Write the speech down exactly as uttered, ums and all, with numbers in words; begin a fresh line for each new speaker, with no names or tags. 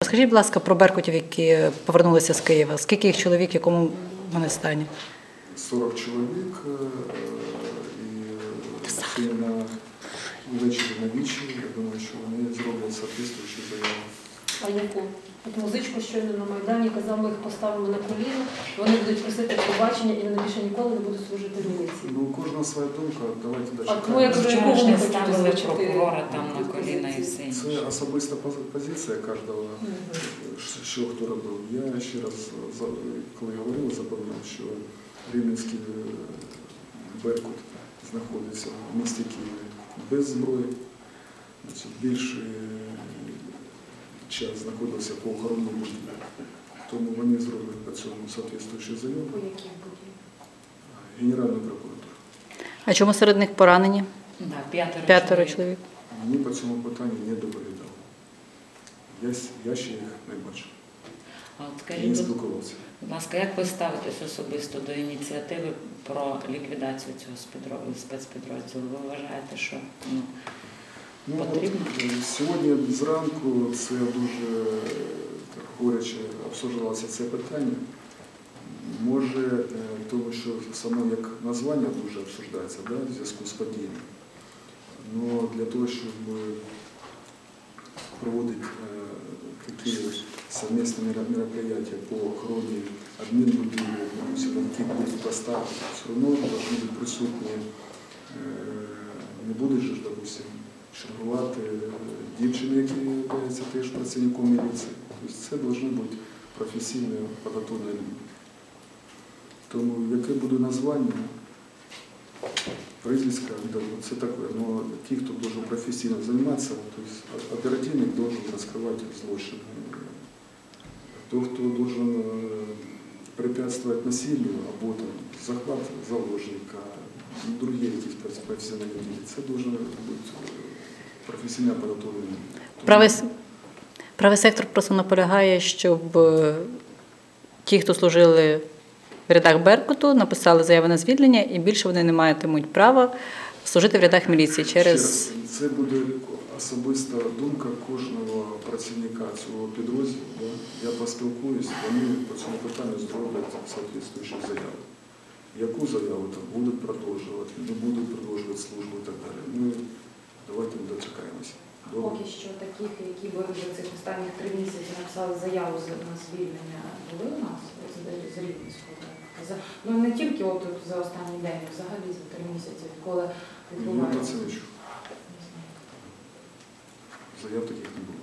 Розкажіть, будь ласка, про беркутів, які повернулися з Києва. Скільки їх чоловік, в якому вони стані?
сорок чоловік і сьогодні на ввечері на вічі. Я думаю, що вони зроблять соответствуючу заяву.
А яку? От музичку щойно на Майдані казав, ми їх поставимо на коліно, вони будуть просити пробачення і вони більше ніколи не будуть служити в міліції.
Ну, у кожного своя думка, давайте далі.
А тому я кажу,
Чому ж
якого
не
ви
ставили
хочете
прокурора там на коліна і все інше?
Це особиста позиція кожного, що хто робив. Я ще раз, коли говорив, запевняв, що Рівненський Беркут знаходиться в місті Києві без зброї. Більший час знаходився по охоронному будівлі. Тому вони зроблять по цьому соответствуючу заяву.
По яких будівлях?
Генеральну прокуратуру.
А чому серед них поранені?
Да, п'ятеро,
П'ятеро
чоловік.
чоловік.
Мені по цьому питанню не доповідали. Я, я ще їх не бачив.
А от
Не
скажіть,
спілкувався.
будь ласка, як ви ставитесь особисто до ініціативи про ліквідацію цього спецпідрозділу? Ви вважаєте, що ну,
Ну,
потрібно?
от, сьогодні зранку це дуже так, горяче обсуждалося це питання. Може, тому що саме як названня дуже обсуждається, да, в зв'язку з подіями. Но для того, щоб проводити е, такі совместні мероприятия по охороні адмінбудівлі, які будуть поставки, все одно повинні бути присутні, е, не будуть же, допустим, чергувати дівчини, які являються теж працівником міліції. Тобто це повинні бути професійні подготовлені люди. Тому яке буде названня, прізвиська, це таке, але ті, хто должен професійно займатися, тобто оперативник должен розкривати злочин. Тот, хто должен препятствовать насилию, або там, захват заложника, другі якісь професіональні дії, це должен бути професійно підготовлений.
Правий, правий сектор просто наполягає, щоб ті, хто служили в рядах Беркуту, написали заяву на звільнення і більше вони не матимуть права служити в рядах міліції через...
Це буде особиста думка кожного працівника цього підрозділу. Да? Я поспілкуюсь, вони по цьому питанню зроблять соответствуючу заяву. Яку заяву там будуть продовжувати, не будуть продовжувати службу і так далі. Ми давайте дочекаємося.
Поки що таких, які би вже цих останніх три місяці написали заяву на звільнення, були у нас з Рівненського. Ну не тільки от за останній день, а взагалі за три місяці, коли відбувається.
Я про це не чув. Заяв таких не було.